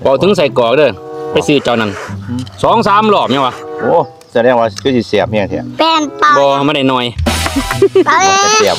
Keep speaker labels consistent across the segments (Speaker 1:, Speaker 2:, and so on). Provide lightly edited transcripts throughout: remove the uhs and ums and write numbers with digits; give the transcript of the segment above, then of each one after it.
Speaker 1: บอกถึงใส่กรอกเด้อไปซื้อเจ้านั้น2-3 รอบยังวะ
Speaker 2: โอ้แสดงว่าคือสิเสียบเนี่ยเถอะ
Speaker 3: เป็นเปล่า
Speaker 1: บ่ไม่ได้น้อย
Speaker 3: เปล่า
Speaker 2: เสียบ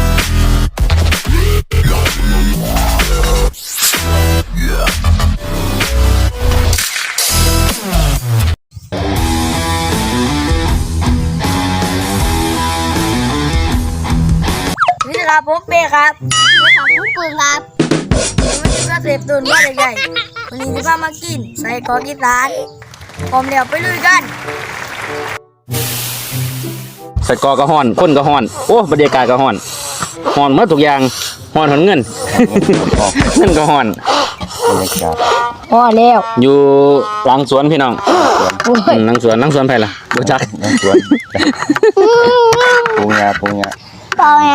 Speaker 4: นี่นะครับผมเป้ครับ
Speaker 3: ผู้ปืนครับ
Speaker 4: วันนี้ก็เสพตุนว่าใหญ่ๆวันนี้จะพามากินใส่กรอกอีสานพร้อมเดี๋ยวไปลุยกัน
Speaker 1: ใส่กรอกก็ฮ้อนคนก็ฮ้อนโอ้บรรยากาศก็ฮ้อนฮ้อนหมดทุกอย่างฮ้อนหอนเงิน เงินก็ฮ้อน
Speaker 2: บรรยากาศ
Speaker 4: พอแล้ว
Speaker 1: อยู่หลังสวนพี่น้องหลังสวนไผล่ะบ่จัก
Speaker 2: น้ำสวนปูงา
Speaker 3: เปล่าไง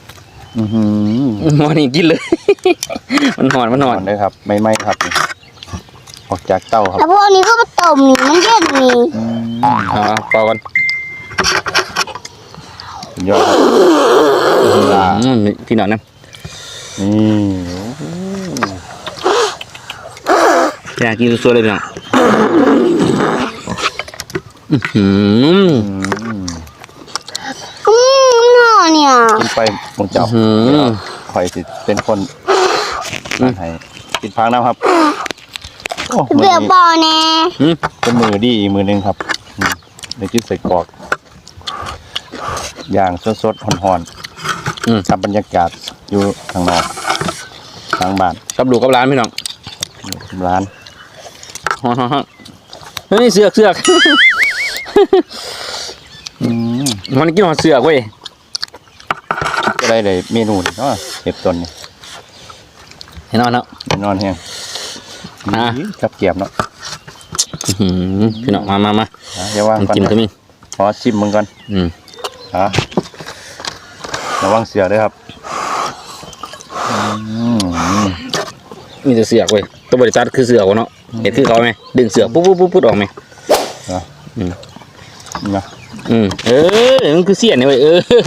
Speaker 1: มื้อนี้กินเลย มันฮ้อน
Speaker 2: นอนเลยครับไม่ครับออกจากเต้าครับ
Speaker 3: แล้วพวกนี้ก็มาต้มนี่มันเย็นนี่
Speaker 1: เปล่ากัน
Speaker 2: ยอดครับ
Speaker 1: พี่น้องนะ
Speaker 2: นี่
Speaker 1: อยากกินสวยๆเลยพี่น้อง
Speaker 3: น่าเนี่ย
Speaker 2: กินไปมึงจับคอยสิเป็นคนให้กินพังน้ำครับโอ้มือ
Speaker 3: เบื่อ
Speaker 2: นี้
Speaker 3: เปล่าแน่
Speaker 2: เป็นมือดีอีกมือหนึ่งครับในจิ้มใส่กรอกอย่างสดๆหอนๆกับบรรยากาศอยู่ข้างนอกทางบ้าน
Speaker 1: กับลูกกับร้านพี่น้อง
Speaker 2: ร้าน
Speaker 1: ฮ้อนๆเฮ้ยเสือกมันกินหอดเสือกเว้ย
Speaker 2: ก็ได้เลยเมนูนี่เนาะเห็บต้นนี่
Speaker 1: เห็นนอนแล้ว
Speaker 2: นอนแห้งกับเกียบเนาะ
Speaker 1: พี่น้องมา
Speaker 2: เดี๋ยวว่างก่อน
Speaker 1: กินก็มี
Speaker 2: ขอชิมมึงก่อนระวังเสือด้วยครับ
Speaker 1: มีแต่เสือกเว้ยตัวบริษัทคือเสือกวะเนาะเห็นคือเขาไหมดึงเสือกปุ๊บออกไหม
Speaker 2: นะ
Speaker 1: มันคือเสี้ยนเนี่ยเว้ย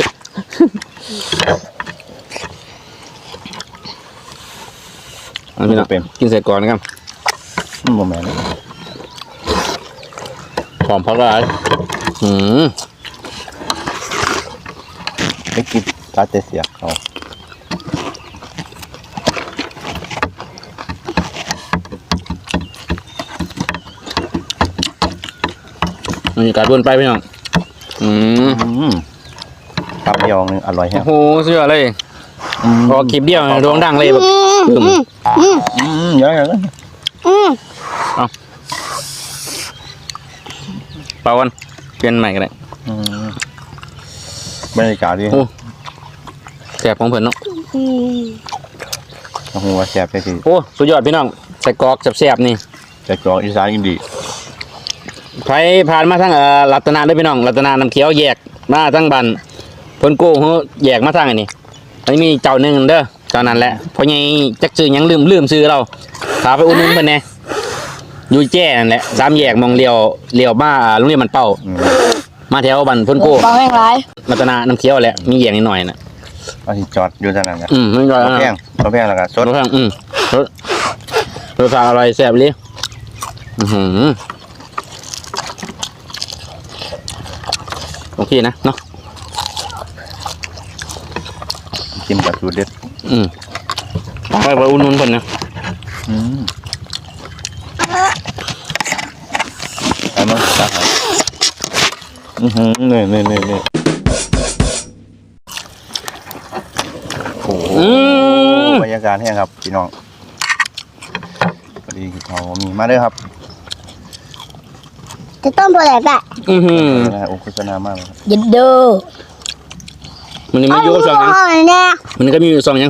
Speaker 1: พี่น้องกินใส่ก่อนนะครับ
Speaker 2: โมแมน
Speaker 1: หอมพักอะไร
Speaker 2: ไม่กินตาเตเสียเขา
Speaker 1: บรรยากาศวนไปพี่น้อง
Speaker 2: คำเดียวนึงอร่อยแฮะ
Speaker 1: โอ้โหเสือเลยพอคลิปเดียวดวงดังเลยแบบ
Speaker 2: เยอะเลย
Speaker 1: เปล่ากันเปลี่ยนใหม่กันเลย
Speaker 2: บรรยากาศดี
Speaker 1: แสบของเพื่อนเนาะ
Speaker 2: โอ้โหแสบไปที
Speaker 1: โอ้สุดยอดพี่น้องใส่กรอกแสบๆนี่
Speaker 2: ใส่กรอกอีสานกินดี
Speaker 1: ใครผ่านมาทั้งรัตนาด้วยพี่น้องรัตนาน้ำเขียวแยกมาทั้งบันพ้นโก้เขาแยกมาทั้งอันนี้อันนี้มีเจ้าหนึ่งเด้อเจ้านั้นแหละเพราะไงจักซื้อยังลืมซื้อเราพาไปอุ่นเพิ่นแน่อยู่แจ้นั่นแหละ3 แยกมองเลี้ยวมาโรงเรียนมันเป้ามาแถวบันพ้นโก้
Speaker 4: บางแห่งไร
Speaker 1: รัตนาน้ำเขียวแหละมีแยกนิดหน่อยนะ
Speaker 2: ว่าที่จอดอยู่ทางนั้นนะ
Speaker 1: ไม่จอด
Speaker 2: รถแพงแล้วก็สด
Speaker 1: รถแพงรสชาติอร่อยแซ่บเลยโอเคนะเนาะ
Speaker 2: กินกับสูตรเด็ด
Speaker 1: ไปอุ่นๆคนนะ
Speaker 2: ไอ้มันตักให้นี่โอ้โหบรรยากาศแห้งครับพี่น้องพอดีเขามีมาด้วยครับ
Speaker 3: จะต้มตัวไหนแปะ
Speaker 2: โอ้โฆษณามากเลยครับ
Speaker 4: ยินดี
Speaker 1: มันนี่ไม่ยุ่งสองยังมันก็มีอยู่สองยัง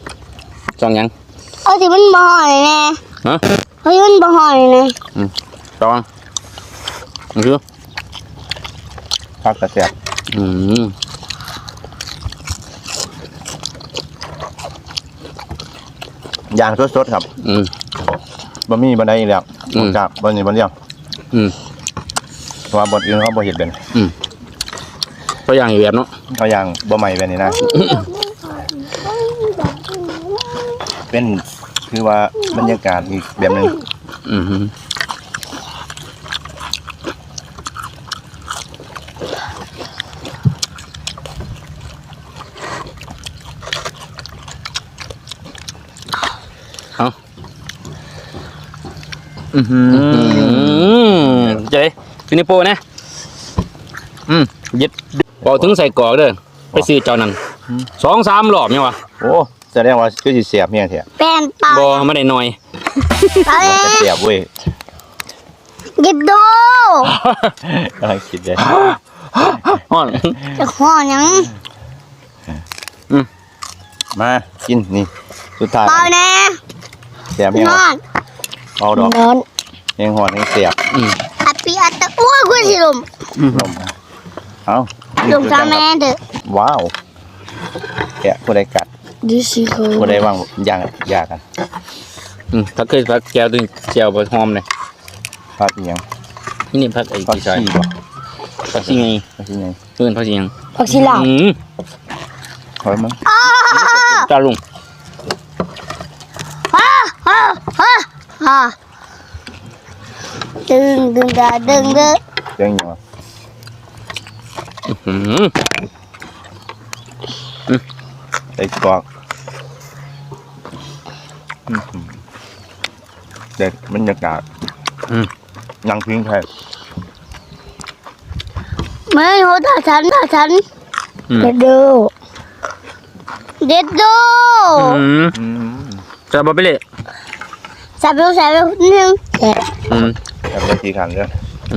Speaker 3: เอาสิมันบ่อยแน่
Speaker 1: ฮะ
Speaker 3: เฮ้ยมันบ่อยแน่
Speaker 1: สองมันคือ
Speaker 2: ผักกระเทียมย่างสดๆครับบะหมี่บะไดอีกแล้วจากบะหมี่บะเลี้ยงเพราะว่าบดอื่นเขาบ่เห็ดเป็น
Speaker 1: ตัวอย่างอยู่แบบเนาะ
Speaker 2: เอาอย่างบะใหม่แบบนี้นะ เป็นคือว่าบรรยากาศอีกแบบนึง
Speaker 1: อือหือเอาอือหือเจ๊ฟินิโปนะยึดบอกถึงใส่กรอกเด้อไปซื้อเจ้านั้น2-3 รอบเนี่ยวะ
Speaker 2: โอ้แสดงว่าคือสิเสียบเนี่ยเถอะ
Speaker 3: เป็นเปล่า
Speaker 1: บอไม่ได้หน่อย
Speaker 3: เอาเล
Speaker 2: มันจะ
Speaker 3: ย
Speaker 2: เสียบเว้ย
Speaker 3: ยิบดู
Speaker 2: กำลังคิดเลย
Speaker 1: อ่อน
Speaker 3: จะขอยัง
Speaker 2: มากินนี่สุดท้าย
Speaker 3: เปล่าแน่
Speaker 2: เสียบเนี่ย
Speaker 3: นอน
Speaker 2: เอาดอก
Speaker 3: นอน
Speaker 2: ยังหอนยังเสียบ
Speaker 3: อัปปีอัตตะอ้วกคุณสิลุม
Speaker 2: ลมเอา
Speaker 3: ลุมทำแม่เด้อ
Speaker 2: ว้าวแกะผู้ใดกัด
Speaker 3: ดิสิโค
Speaker 2: ผู้ใดว่างอย่างยากกัน
Speaker 1: พักเคยพักแก้วตัวแก้วบะหอมเลย
Speaker 2: พักอีหยัง
Speaker 1: นี่พักไอ้
Speaker 2: พัก
Speaker 1: ที่ซอย
Speaker 2: ขี้บ่
Speaker 1: พักที่ไง
Speaker 2: พักขี้ไง
Speaker 1: เพื่อนพักที่ยัง
Speaker 3: ผักชีลาว
Speaker 2: ถอยมั้ง
Speaker 1: จ้าลุง
Speaker 3: ฮ่าฮ่าฮ่าฮ่าดึงดึงดาดึงเด้อ
Speaker 2: เรื่องหยังวะใส่กรอกเด็ดบรรยากาศยังพิงแท้
Speaker 3: ไม่โหตาฉันเด็ดดูเด็ดดู
Speaker 1: จะบะไปเลย
Speaker 3: ใส่ไปนิดนึงเด็ด
Speaker 2: แต่บางทีขันก็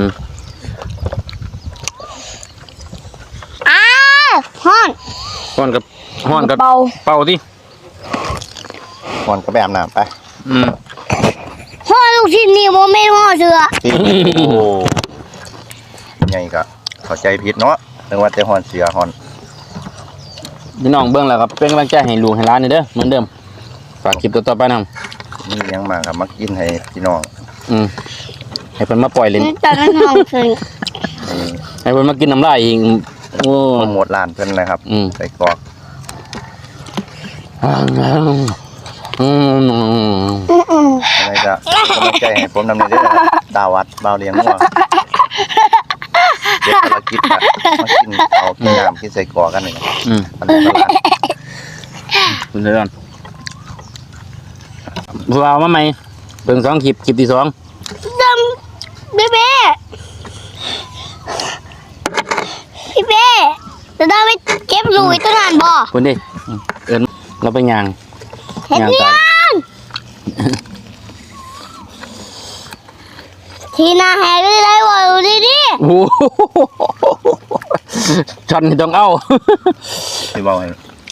Speaker 3: อ้าวฮ้อน
Speaker 1: ห้อนกับเป่าที่
Speaker 2: หอนก็แบบน้ำไป
Speaker 3: ฮ้อนลูกชิ้นนี่โมเมนต์ฮ้อนเสือ
Speaker 2: โอ้ไงก็เข้าใจผิดเนาะนึกว่าแต่หอนเสือหอน
Speaker 1: พี่น้องเบื้องแล้วครับเป็นกำลังใจให้ลูกให้ร้านนี่เด้อเหมือนเดิมฝากคลิปต่อไปนำ
Speaker 2: นี่ยังมากับมากินให้พี่น้อง
Speaker 1: ให้เพิ่นมาปล่อยเล่น
Speaker 3: ตอนนั้นห้องคือ
Speaker 1: ให้เพิ่นมากินน้ำลายอีกโอ้
Speaker 2: โปรโมทร้านเพิ่นเลยครับใส่กรอกอะไรจะกำลังใจให้ผมนำในเด้อดาวัดบ่าวเลี้ยงงัวเดี๋ยวภารกิจอะมากินเอากินน้ำกินใส่กรอกกันนี่มันตลาด
Speaker 1: คุณเดือนพวกเรามาใหม่เบิ่ง2 คลิปที่ 2
Speaker 3: ดำพี่เป้จะได้ไปเก็บลุยต้นหานบ่
Speaker 1: คนดิเอิ้นเราไปย่าง
Speaker 3: เห็น
Speaker 1: ย่าง
Speaker 3: ยั
Speaker 1: กัน
Speaker 3: งทีหนาแหกได้บ่ดูดิ
Speaker 1: โอ้โหช็อตนี่ต้องเอา
Speaker 2: ที่บอกให้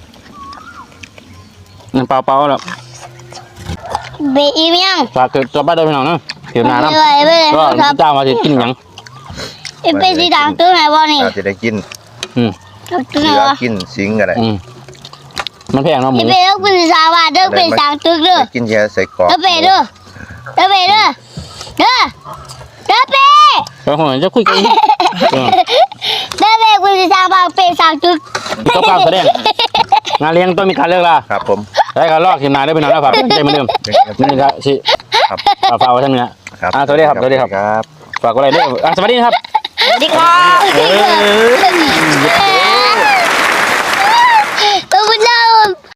Speaker 1: นั่นเปล่าๆแล้ว
Speaker 3: เบอีมยัง
Speaker 1: ฝากเกิดต่อไปเด้อพี่น้องเนาะเดี๋ยวหน้าน้ำ
Speaker 3: ไปเลย
Speaker 1: ก็
Speaker 3: ครับ
Speaker 1: จ้างมาสิกินหยัง
Speaker 3: เป็นสีด่างตัวไหนบ่นี่
Speaker 2: อาจจะได้กิน
Speaker 3: ตัวไหน
Speaker 2: เหลือ
Speaker 3: วะ
Speaker 2: กินสิงอะไร
Speaker 1: มันแพงเนาะหมู
Speaker 3: พี่เป้ต้องเป็นสาวาเด้อเป็นสางตึกเด้อ
Speaker 2: ได้กินแค่ใส่กรอก
Speaker 3: เด้อเป้เด้อเด้อเป้เด้อเด้อเด้อเป้
Speaker 1: แล้วคนจะคุยกันอีก
Speaker 3: เด้อเป้เป็นสาวาเป็นสางตึก
Speaker 1: ต้องการแสดงงานเลี้ยงต้องมีการเลิกลา
Speaker 2: ครับผม
Speaker 1: ได้การลอกทีมงานได้เป็นน้องแล้วฝากใจเหมือนเดิมนี่ครับสิ
Speaker 2: ครับ
Speaker 1: ฝากไว้ท่านนี้นะครับ สวัสดีครับสวัสดีครับ
Speaker 2: ครับ
Speaker 1: ฝากอะไรด้วยสวัสดีครับ
Speaker 3: สวัสดีครับ